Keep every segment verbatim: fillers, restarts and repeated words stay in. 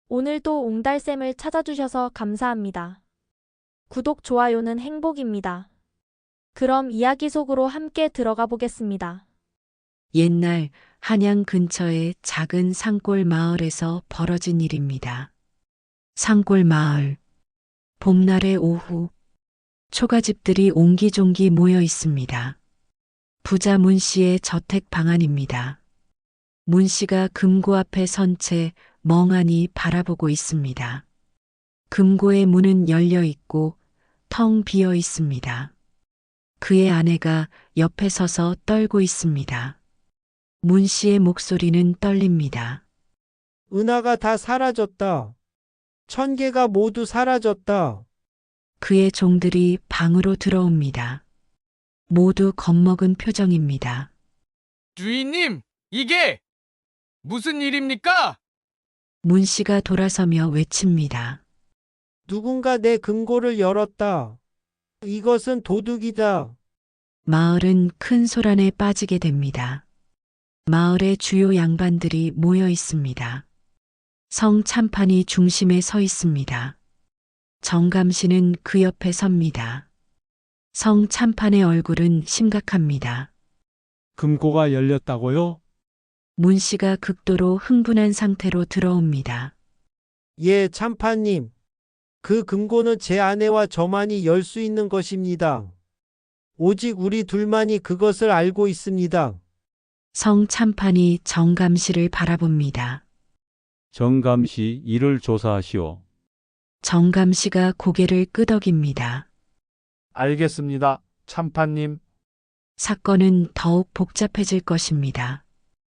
오늘도 옹달샘을 찾아주셔서 감사합니다. 구독, 좋아요는 행복입니다. 그럼 이야기 속으로 함께 들어가 보겠습니다. 옛날 한양 근처의 작은 산골 마을에서 벌어진 일입니다. 산골 마을. 봄날의 오후. 초가집들이 옹기종기 모여 있습니다. 부자 문 씨의 저택 방안입니다. 문 씨가 금고 앞에 선 채 멍하니 바라보고 있습니다. 금고의 문은 열려 있고 텅 비어 있습니다. 그의 아내가 옆에 서서 떨고 있습니다. 문 씨의 목소리는 떨립니다. 은하가 다 사라졌다. 천 개가 모두 사라졌다. 그의 종들이 방으로 들어옵니다. 모두 겁먹은 표정입니다. 주인님, 이게 무슨 일입니까? 문 씨가 돌아서며 외칩니다. 누군가 내 금고를 열었다. 이것은 도둑이다. 마을은 큰 소란에 빠지게 됩니다. 마을의 주요 양반들이 모여 있습니다. 성 참판이 중심에 서 있습니다. 정감 씨는 그 옆에 섭니다. 성 참판의 얼굴은 심각합니다. 금고가 열렸다고요? 문 씨가 극도로 흥분한 상태로 들어옵니다. 예, 참판님. 그 금고는 제 아내와 저만이 열 수 있는 것입니다. 오직 우리 둘만이 그것을 알고 있습니다. 성 참판이 정감 씨를 바라봅니다. 정감시 이를 조사하시오. 정감 씨가 고개를 끄덕입니다. 알겠습니다, 참판님. 사건은 더욱 복잡해질 것입니다.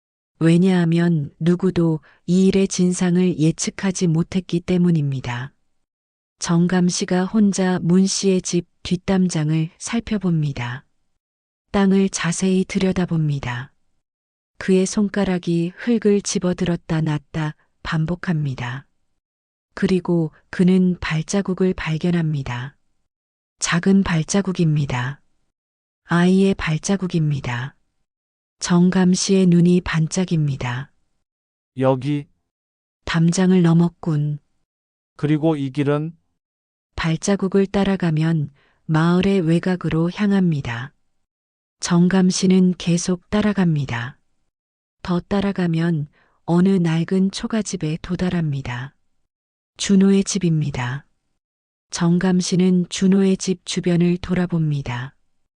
왜냐하면 누구도 이 일의 진상을 예측하지 못했기 때문입니다. 정감 씨가 혼자 문 씨의 집 뒷담장을 살펴봅니다. 땅을 자세히 들여다봅니다. 그의 손가락이 흙을 집어들었다 놨다 반복합니다. 그리고 그는 발자국을 발견합니다. 작은 발자국입니다. 아이의 발자국입니다. 정감 씨의 눈이 반짝입니다. 여기, 담장을 넘었군. 그리고 이 길은 발자국을 따라가면 마을의 외곽으로 향합니다. 정감 씨는 계속 따라갑니다. 더 따라가면 어느 낡은 초가집에 도달합니다. 준호의 집입니다. 정감 씨는 준호의 집 주변을 돌아봅니다.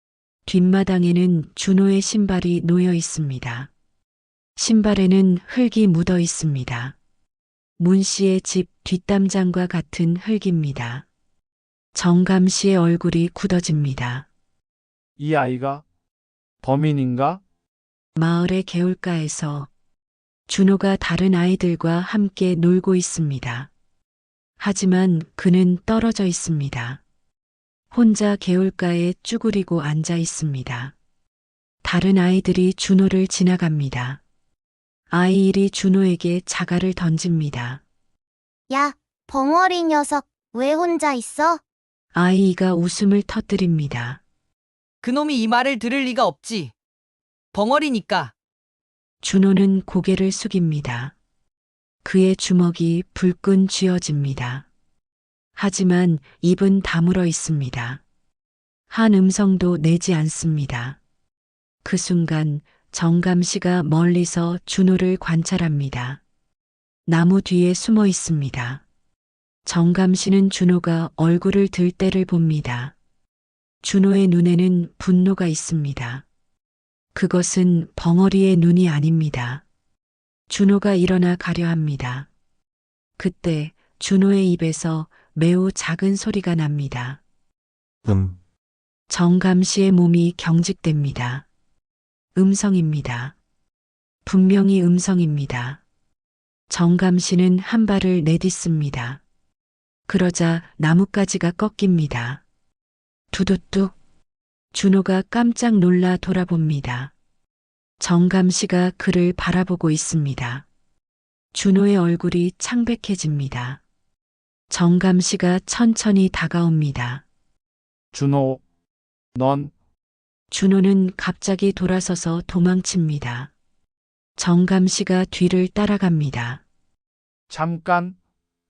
뒷마당에는 준호의 신발이 놓여 있습니다. 신발에는 흙이 묻어 있습니다. 문 씨의 집 뒷담장과 같은 흙입니다. 정감 씨의 얼굴이 굳어집니다. 이 아이가 범인인가? 마을의 개울가에서 준호가 다른 아이들과 함께 놀고 있습니다. 하지만 그는 떨어져 있습니다. 혼자 개울가에 쭈그리고 앉아 있습니다. 다른 아이들이 준호를 지나갑니다. 아이 일이 준호에게 자갈을 던집니다. 야, 벙어리 녀석, 왜 혼자 있어? 아이 이가 웃음을 터뜨립니다. 그놈이 이 말을 들을 리가 없지. 벙어리니까. 준호는 고개를 숙입니다. 그의 주먹이 불끈 쥐어집니다. 하지만 입은 다물어 있습니다. 한 음성도 내지 않습니다. 그 순간 정감 씨가 멀리서 준호를 관찰합니다. 나무 뒤에 숨어 있습니다. 정감 씨는 준호가 얼굴을 들 때를 봅니다. 준호의 눈에는 분노가 있습니다. 그것은 벙어리의 눈이 아닙니다. 준호가 일어나 가려 합니다. 그때 준호의 입에서 매우 작은 소리가 납니다. 음. 정감 씨의 몸이 경직됩니다. 음성입니다. 분명히 음성입니다. 정감 씨는 한 발을 내딛습니다. 그러자 나뭇가지가 꺾입니다. 두두뚝. 준호가 깜짝 놀라 돌아봅니다. 정감 씨가 그를 바라보고 있습니다. 준호의 얼굴이 창백해집니다. 정감 씨가 천천히 다가옵니다. 준호, 넌 준호는 갑자기 돌아서서 도망칩니다. 정감 씨가 뒤를 따라갑니다. 잠깐,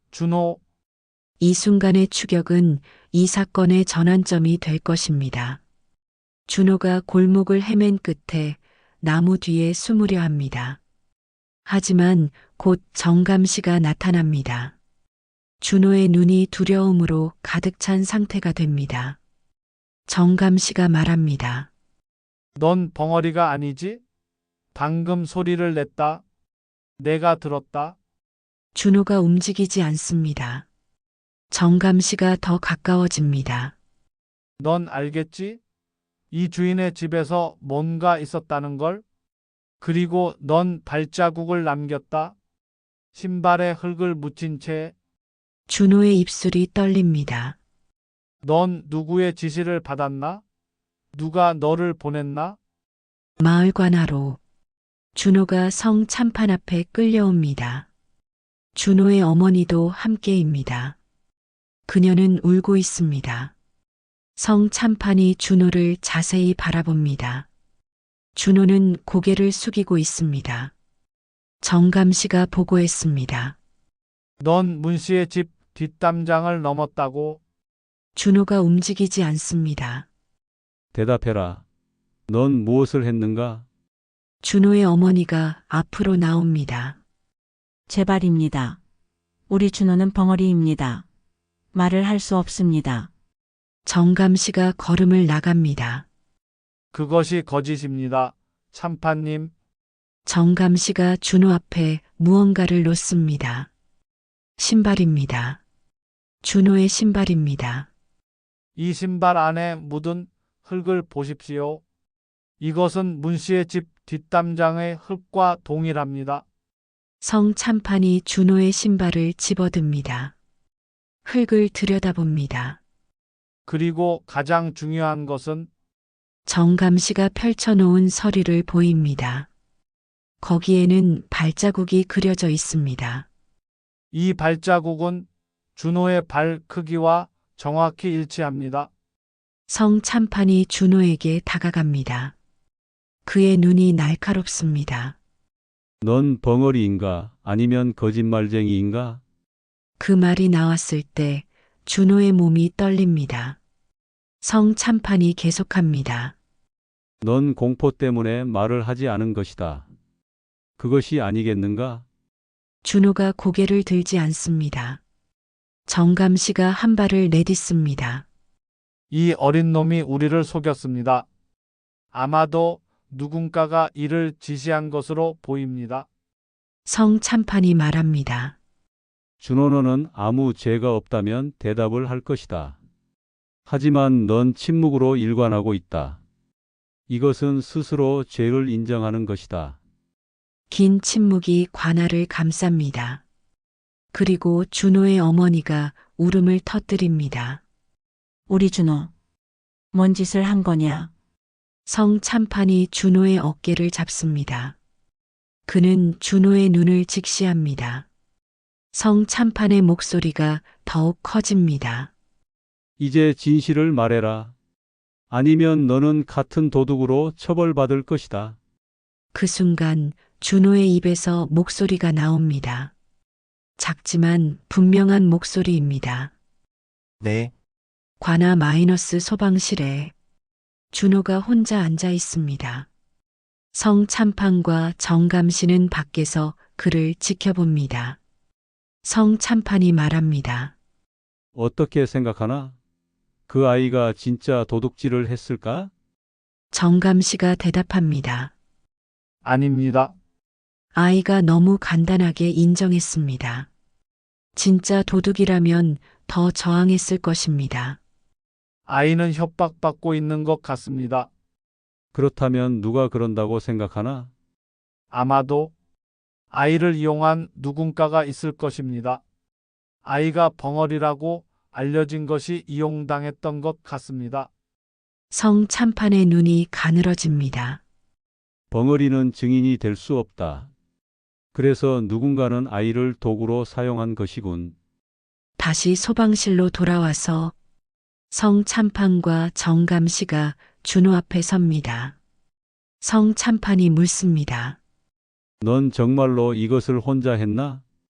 준호, 이 순간의 추격은 이 사건의 전환점이 될 것입니다. 준호가 골목을 헤맨 끝에 나무 뒤에 숨으려 합니다. 하지만 곧 정감 씨가 나타납니다. 준호의 눈이 두려움으로 가득 찬 상태가 됩니다. 정감 씨가 말합니다. 넌 벙어리가 아니지? 방금 소리를 냈다. 내가 들었다. 준호가 움직이지 않습니다. 정감 씨가 더 가까워집니다. 넌 알겠지? 이 주인의 집에서 뭔가 있었다는 걸? 그리고 넌 발자국을 남겼다. 신발에 흙을 묻힌 채. 준호의 입술이 떨립니다. 넌 누구의 지시를 받았나? 누가 너를 보냈나? 마을 관하로 준호가 성 참판 앞에 끌려옵니다. 준호의 어머니도 함께입니다. 그녀는 울고 있습니다. 성 참판이 준호를 자세히 바라봅니다. 준호는 고개를 숙이고 있습니다. 정감 씨가 보고했습니다. 넌 문씨의 집 뒷담장을 넘었다고. 준호가 움직이지 않습니다. 대답해라. 넌 무엇을 했는가? 준호의 어머니가 앞으로 나옵니다. 제발입니다. 우리 준호는 벙어리입니다. 말을 할 수 없습니다. 정감 씨가 걸음을 나갑니다. 그것이 거짓입니다. 참판님. 정감 씨가 준호 앞에 무언가를 놓습니다. 신발입니다. 준호의 신발입니다. 이 신발 안에 묻은 흙을 보십시오. 이것은 문씨의 집 뒷담장의 흙과 동일합니다. 성 참판이 준호의 신발을 집어듭니다. 흙을 들여다봅니다. 그리고 가장 중요한 것은 정감 씨가 펼쳐놓은 서리를 보입니다. 거기에는 발자국이 그려져 있습니다. 이 발자국은 준호의 발 크기와 정확히 일치합니다. 성 참판이 준호에게 다가갑니다. 그의 눈이 날카롭습니다. 넌 벙어리인가? 아니면 거짓말쟁이인가? 그 말이 나왔을 때 준호의 몸이 떨립니다. 성 참판이 계속합니다. 넌 공포 때문에 말을 하지 않은 것이다. 그것이 아니겠는가? 준호가 고개를 들지 않습니다. 정감 씨가 한 발을 내딛습니다. 이 어린 놈이 우리를 속였습니다. 아마도 누군가가 이를 지시한 것으로 보입니다. 성 참판이 말합니다. 준호 너는 아무 죄가 없다면 대답을 할 것이다. 하지만 넌 침묵으로 일관하고 있다. 이것은 스스로 죄를 인정하는 것이다. 긴 침묵이 관아를 감쌉니다. 그리고 준호의 어머니가 울음을 터뜨립니다. 우리 준호, 뭔 짓을 한 거냐? 성 참판이 준호의 어깨를 잡습니다. 그는 준호의 눈을 직시합니다. 성 참판의 목소리가 더욱 커집니다. 이제 진실을 말해라. 아니면 너는 같은 도둑으로 처벌받을 것이다. 그 순간 준호의 입에서 목소리가 나옵니다. 작지만 분명한 목소리입니다. 네. 관아 마이너스 소방실에 준호가 혼자 앉아 있습니다. 성 참판과 정감 씨는 밖에서 그를 지켜봅니다. 성 참판이 말합니다. 어떻게 생각하나? 그 아이가 진짜 도둑질을 했을까? 정감 씨가 대답합니다. 아닙니다. 아이가 너무 간단하게 인정했습니다. 진짜 도둑이라면 더 저항했을 것입니다. 아이는 협박받고 있는 것 같습니다. 그렇다면 누가 그런다고 생각하나? 아마도 아이를 이용한 누군가가 있을 것입니다. 아이가 벙어리라고 알려진 것이 이용당했던 것 같습니다. 성 참판의 눈이 가늘어집니다. 벙어리는 증인이 될 수 없다. 그래서 누군가는 아이를 도구로 사용한 것이군. 다시 소방실로 돌아와서 성 참판과 정감 씨가 준호 앞에 섭니다. 성 참판이 묻습니다. 넌 정말로 이것을 혼자 했나?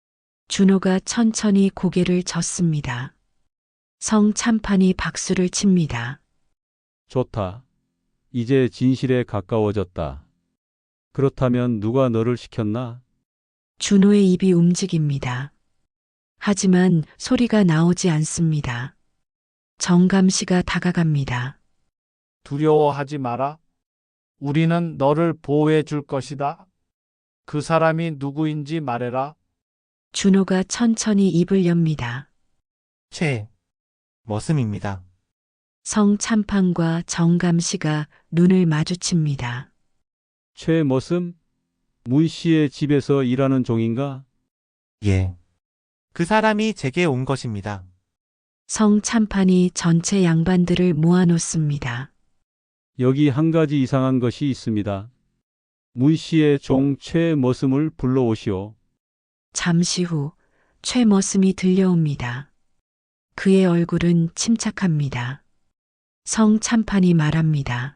준호가 천천히 고개를 젓습니다. 성 참판이 박수를 칩니다. 좋다. 이제 진실에 가까워졌다. 그렇다면 누가 너를 시켰나? 준호의 입이 움직입니다. 하지만 소리가 나오지 않습니다. 정감 씨가 다가갑니다. 두려워하지 마라. 우리는 너를 보호해 줄 것이다. 그 사람이 누구인지 말해라. 준호가 천천히 입을 엽니다. 최 머슴입니다. 성 참판과 정감 씨가 눈을 마주칩니다. 최머슴? 문 씨의 집에서 일하는 종인가? 예. 그 사람이 제게 온 것입니다. 성 참판이 전체 양반들을 모아놓습니다. 여기 한 가지 이상한 것이 있습니다. 문 씨의 종 최머슴을 불러오시오. 잠시 후 최머슴이 들려옵니다. 그의 얼굴은 침착합니다. 성 참판이 말합니다.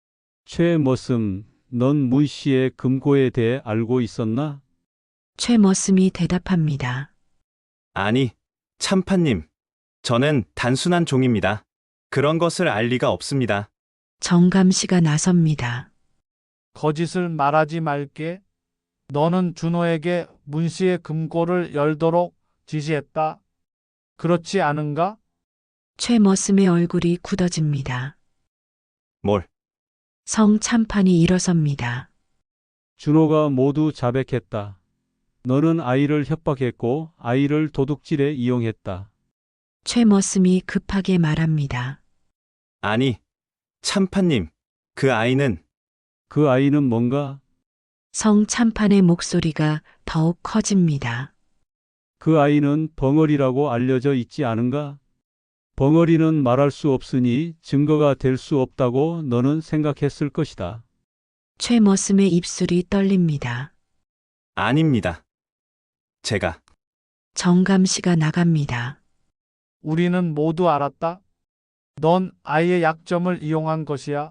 최머슴, 넌 문 씨의 금고에 대해 알고 있었나? 최머슴이 대답합니다. 아니, 참판님. 저는 단순한 종입니다. 그런 것을 알 리가 없습니다. 정감 씨가 나섭니다. 거짓을 말하지 말게. 너는 준호에게 문씨의 금고를 열도록 지시했다. 그렇지 않은가? 최머슴의 얼굴이 굳어집니다. 뭘? 성 참판이 일어섭니다. 준호가 모두 자백했다. 너는 아이를 협박했고 아이를 도둑질에 이용했다. 최머슴이 급하게 말합니다. 아니, 참판님. 그 아이는 그 아이는 뭔가? 성 참판의 목소리가 더욱 커집니다. 그 아이는 벙어리라고 알려져 있지 않은가? 벙어리는 말할 수 없으니 증거가 될 수 없다고 너는 생각했을 것이다. 최머슴의 입술이 떨립니다. 아닙니다. 제가 정감 씨가 나갑니다. 우리는 모두 알았다. 넌 아이의 약점을 이용한 것이야.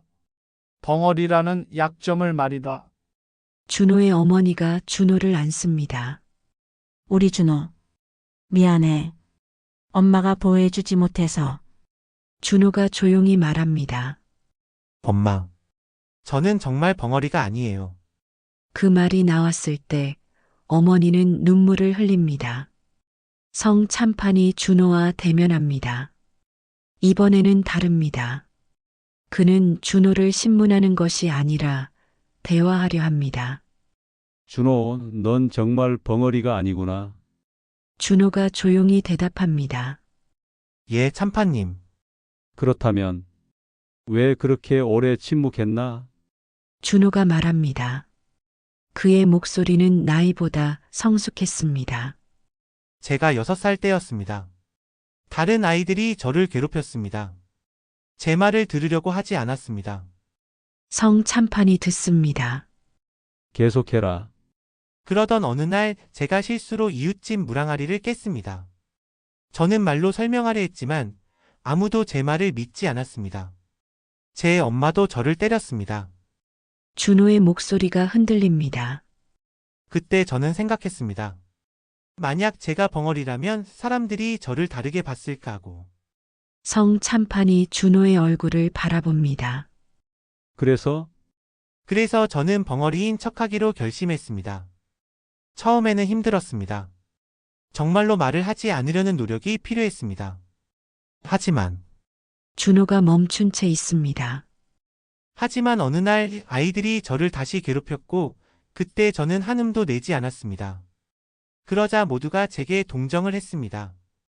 벙어리라는 약점을 말이다. 준호의 어머니가 준호를 안습니다. 우리 준호. 미안해. 엄마가 보호해주지 못해서. 준호가 조용히 말합니다. 엄마, 저는 정말 벙어리가 아니에요. 그 말이 나왔을 때 어머니는 눈물을 흘립니다. 성 참판이 준호와 대면합니다. 이번에는 다릅니다. 그는 준호를 신문하는 것이 아니라 대화하려 합니다. 준호, 넌 정말 벙어리가 아니구나. 준호가 조용히 대답합니다. 예, 참판님. 그렇다면 왜 그렇게 오래 침묵했나? 준호가 말합니다. 그의 목소리는 나이보다 성숙했습니다. 제가 여섯 살 때였습니다. 다른 아이들이 저를 괴롭혔습니다. 제 말을 들으려고 하지 않았습니다. 성 참판이 듣습니다. 계속해라. 그러던 어느 날 제가 실수로 이웃집 무랑아리를 깼습니다. 저는 말로 설명하려 했지만 아무도 제 말을 믿지 않았습니다. 제 엄마도 저를 때렸습니다. 준호의 목소리가 흔들립니다. 그때 저는 생각했습니다. 만약 제가 벙어리라면 사람들이 저를 다르게 봤을까 하고. 성 참판이 준호의 얼굴을 바라봅니다. 그래서 그래서 저는 벙어리인 척하기로 결심했습니다. 처음에는 힘들었습니다. 정말로 말을 하지 않으려는 노력이 필요했습니다. 하지만, 준호가 멈춘 채 있습니다. 하지만 어느 날 아이들이 저를 다시 괴롭혔고 그때 저는 한음도 내지 않았습니다. 그러자 모두가 제게 동정을 했습니다.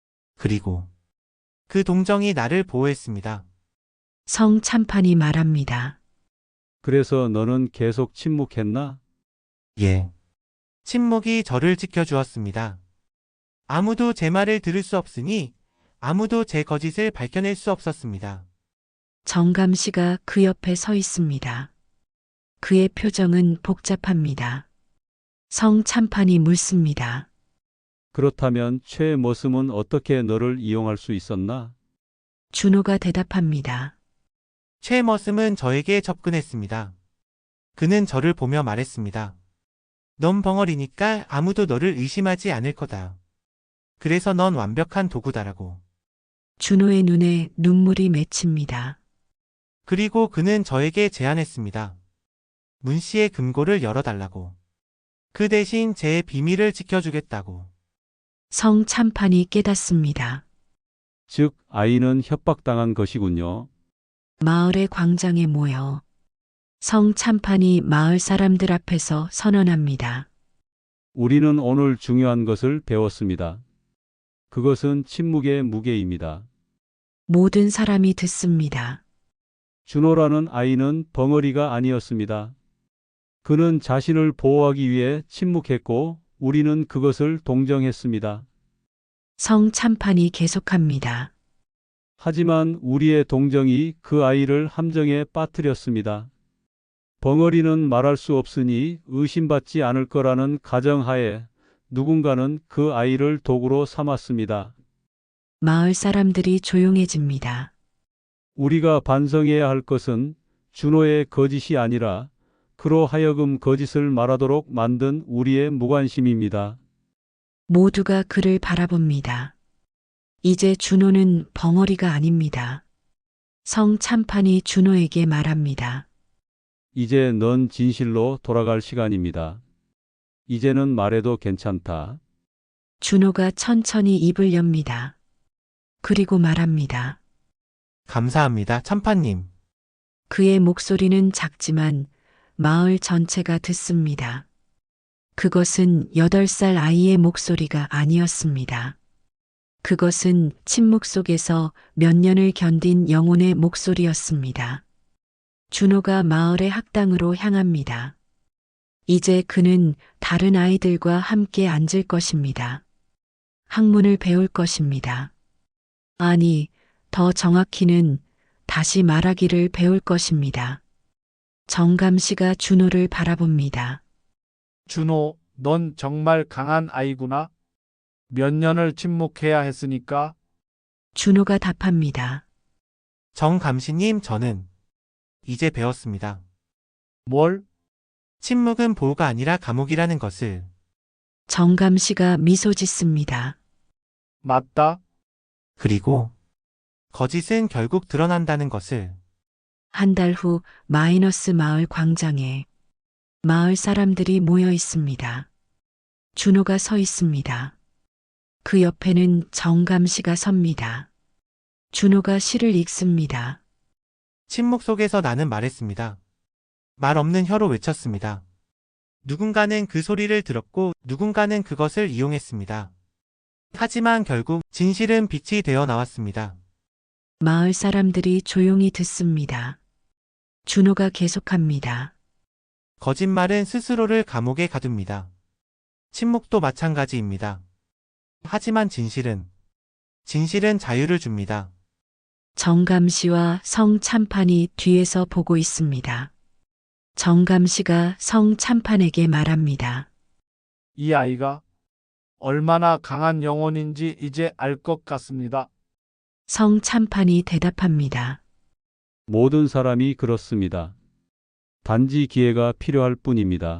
그리고 그 동정이 나를 보호했습니다. 성 참판이 말합니다. 그래서 너는 계속 침묵했나? 예. 침묵이 저를 지켜주었습니다. 아무도 제 말을 들을 수 없으니 아무도 제 거짓을 밝혀낼 수 없었습니다. 정감 씨가 그 옆에 서 있습니다. 그의 표정은 복잡합니다. 성 참판이 묻습니다. 그렇다면 최머슴은 어떻게 너를 이용할 수 있었나? 준호가 대답합니다. 최머슴은 저에게 접근했습니다. 그는 저를 보며 말했습니다. 넌 벙어리니까 아무도 너를 의심하지 않을 거다. 그래서 넌 완벽한 도구다라고. 준호의 눈에 눈물이 맺힙니다. 그리고 그는 저에게 제안했습니다. 문 씨의 금고를 열어달라고. 그 대신 제 비밀을 지켜주겠다고. 성참판이 깨닫습니다. 즉, 아이는 협박당한 것이군요. 마을의 광장에 모여 성참판이 마을 사람들 앞에서 선언합니다. 우리는 오늘 중요한 것을 배웠습니다. 그것은 침묵의 무게입니다. 모든 사람이 듣습니다. 준호라는 아이는 벙어리가 아니었습니다. 그는 자신을 보호하기 위해 침묵했고 우리는 그것을 동정했습니다. 성참판이 계속합니다. 하지만 우리의 동정이 그 아이를 함정에 빠뜨렸습니다. 벙어리는 말할 수 없으니 의심받지 않을 거라는 가정하에 누군가는 그 아이를 도구로 삼았습니다. 마을 사람들이 조용해집니다. 우리가 반성해야 할 것은 준호의 거짓이 아니라 그로 하여금 거짓을 말하도록 만든 우리의 무관심입니다. 모두가 그를 바라봅니다. 이제 준호는 벙어리가 아닙니다. 성참판이 준호에게 말합니다. 이제 넌 진실로 돌아갈 시간입니다. 이제는 말해도 괜찮다. 준호가 천천히 입을 엽니다. 그리고 말합니다. 감사합니다, 참판님. 그의 목소리는 작지만 마을 전체가 듣습니다. 그것은 여덟 살 아이의 목소리가 아니었습니다. 그것은 침묵 속에서 몇 년을 견딘 영혼의 목소리였습니다. 준호가 마을의 학당으로 향합니다. 이제 그는 다른 아이들과 함께 앉을 것입니다. 학문을 배울 것입니다. 아니, 더 정확히는 다시 말하기를 배울 것입니다. 정감 씨가 준호를 바라봅니다. 준호, 넌 정말 강한 아이구나. 몇 년을 침묵해야 했으니까. 준호가 답합니다. 정감시님, 저는 이제 배웠습니다. 뭘? 침묵은 보호가 아니라 감옥이라는 것을. 정감 씨가 미소 짓습니다. 맞다. 그리고 거짓은 결국 드러난다는 것을. 한 달 후 마이너스 마을 광장에 마을 사람들이 모여 있습니다. 준호가 서 있습니다. 그 옆에는 정감 씨가 섭니다. 준호가 시를 읽습니다. 침묵 속에서 나는 말했습니다. 말 없는 혀로 외쳤습니다. 누군가는 그 소리를 들었고 누군가는 그것을 이용했습니다. 하지만 결국 진실은 빛이 되어 나왔습니다. 마을 사람들이 조용히 듣습니다. 준호가 계속합니다. 거짓말은 스스로를 감옥에 가둡니다. 침묵도 마찬가지입니다. 하지만 진실은, 진실은 자유를 줍니다. 정감 씨와 성참판이 뒤에서 보고 있습니다. 정감 씨가 성참판에게 말합니다. 이 아이가 얼마나 강한 영혼인지 이제 알 것 같습니다. 성참판이 대답합니다. 모든 사람이 그렇습니다. 단지 기회가 필요할 뿐입니다.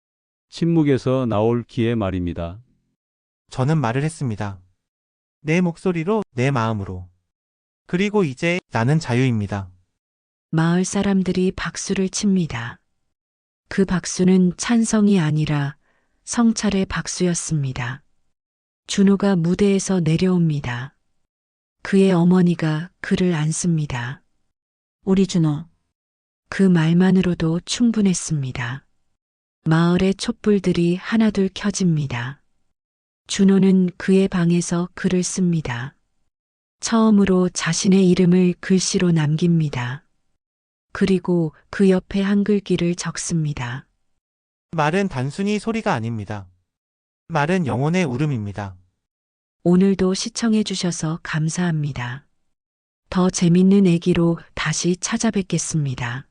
침묵에서 나올 기회 말입니다. 저는 말을 했습니다. 내 목소리로, 내 마음으로. 그리고 이제 나는 자유입니다. 마을 사람들이 박수를 칩니다. 그 박수는 찬성이 아니라 성찰의 박수였습니다. 준호가 무대에서 내려옵니다. 그의 어머니가 그를 안습니다. 우리 준호, 그 말만으로도 충분했습니다. 마을의 촛불들이 하나둘 켜집니다. 준호는 그의 방에서 글을 씁니다. 처음으로 자신의 이름을 글씨로 남깁니다. 그리고 그 옆에 한글귀를 적습니다. 말은 단순히 소리가 아닙니다. 말은 영혼의 울음입니다. 오늘도 시청해 주셔서 감사합니다. 더 재밌는 애기로 다시 찾아뵙겠습니다.